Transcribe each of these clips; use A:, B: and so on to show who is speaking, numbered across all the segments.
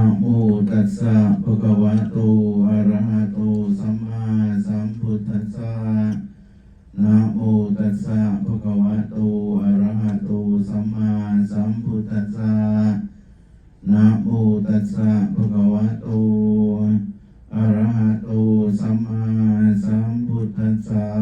A: โมตัสสะภะคะวะโตอะระหะโตสัมมาสัมพุทธัสสะนะโมตัสสะภะคะวะโตอะระหะโตสัมมาสัมพุทธัสสะนะโมตัสสะภะคะวะโตอะระหะโตสัมมาสัมพุทธัสสะ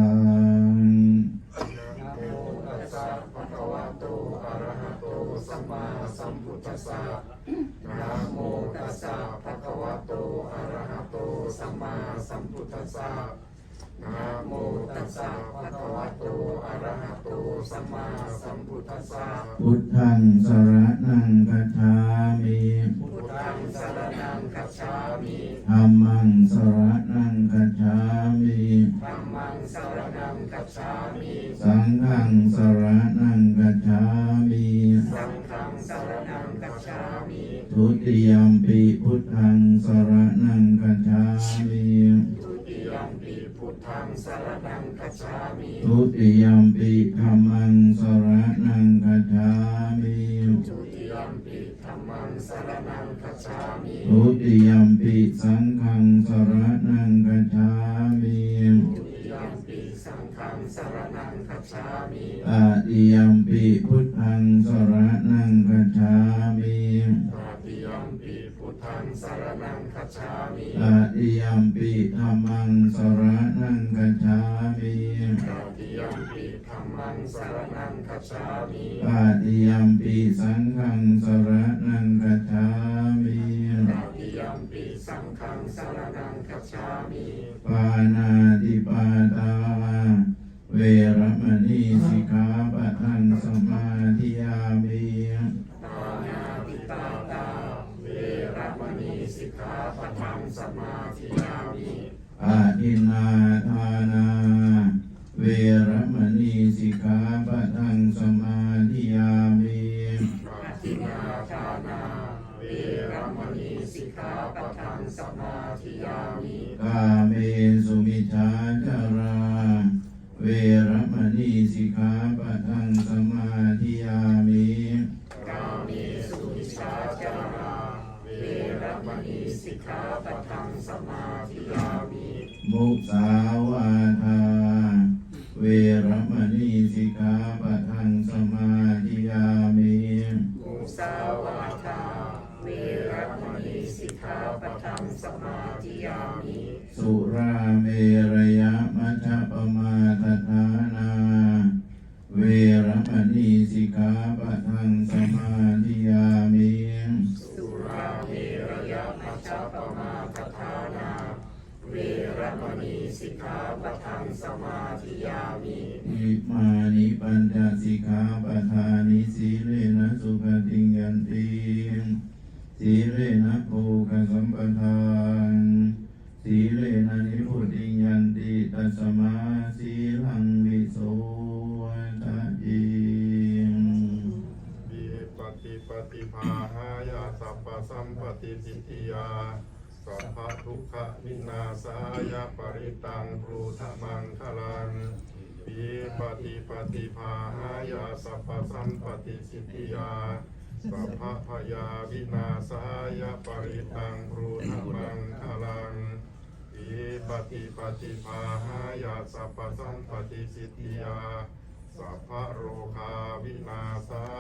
B: นะโมตัสสะภะคะวะโตอะระหะโตสัมมาสัมพุทธัสสะนะโมตัสสะภะคะวะโตอะระหะโตสัมมาสัมพุทธัสสะนะโมตัสสะภะคะวะโตอะระหะโตสัมมาสัมพุทธัสสะ
A: พุทธังสรณังคัจฉามิ
B: พุทธังสรณังคัจฉามิ
A: ธัมมังสรณังคัจฉามิ
B: ธัมมังสรณังคัจฉามิ
A: สังฆังสรณังคัจฉามิ
B: สังฆังสรณังคัจฉามิ
A: ทุติยัมปิพุทธังสรณังคัจฉามิ
B: ทุติยัมปิพุทธังสรณังคัจฉามิ
A: ทุติยัมปิธัมมังสรณังคัจฉามิ
B: ทุติยัมปิธัมมังสรณังคัจฉามิ
A: ทุติยัมปิสังฆังสรณังคัจฉามิ
B: ทุติยัมปิสังฆังสรณังคัจฉามิ
A: ตติยัมปิพุทธังสรณังคัจฉามิ
B: ตติยัมปิพุทธังสรณังคัจฉามิ
A: ตติยัมปิธัมมังสรณังคัจฉามิ
B: ตติยัมปิธัมมังสรณังคัจฉามิ
A: ตติยัมปิสังฆังสรณังคัจฉามิ
B: ตติยัมปิสังฆังสรณังคัจฉามิ
A: ปานาติปาตาเวรมณีสิกขาปะทังสมาธิยามิ
B: ปานาติปาตาเวรมณีสิกขาปะทังสมาธิยามิ
A: อาทินนาทานาเวรมณีสิกขาปะทังสมาธิยามิ
B: ปาทินาทานาเวรมณีสิกขาปะทังสมาธิยามิ
A: กาเมสุมิจฉาจาราเวรมณีสิกขาปะทังสมาธิยามิ
B: กาเมสุมิชาจาราเวรมณีสิกขาปะทังสมาธิยามิ
A: มุสาวาทาเวรมณีสิกขาปะทังสมาธิยามิ
B: มุสาวาทาเวรมณีสิกขาปะทังสมาธิยามิ
A: สุราเมรยมัชฌัปมาทฐานาเวรมณีสิกขาปะทังสมาธิยามิ
B: สุราเมรยมัชฌัปมาทฐานาเวรมณีสิกขาปะทังสมาธิยามิ
A: อิมานิปัญจสิกขาปทานิสีเลนะสุขติงยันติสีเลนะโภคสัมปทานสีเลนะนิพุติงยันติตัสมาสีลังวิโสทะเย
C: วิปฏิปฏิภาหายาสัพพสัมปติสิทธิยาสัพพทุกขวินาศายาปริตังปรูธมังคลังวิปฏิปฏิภาหายาสัพพสัมปติสิทธิยาสัพพพยาวินาศายาปริตังปรูธมังคลังวิปฏิปฏิภาหายาสัพพสัมปติสิทธิยาสัพพโรคาวินาศ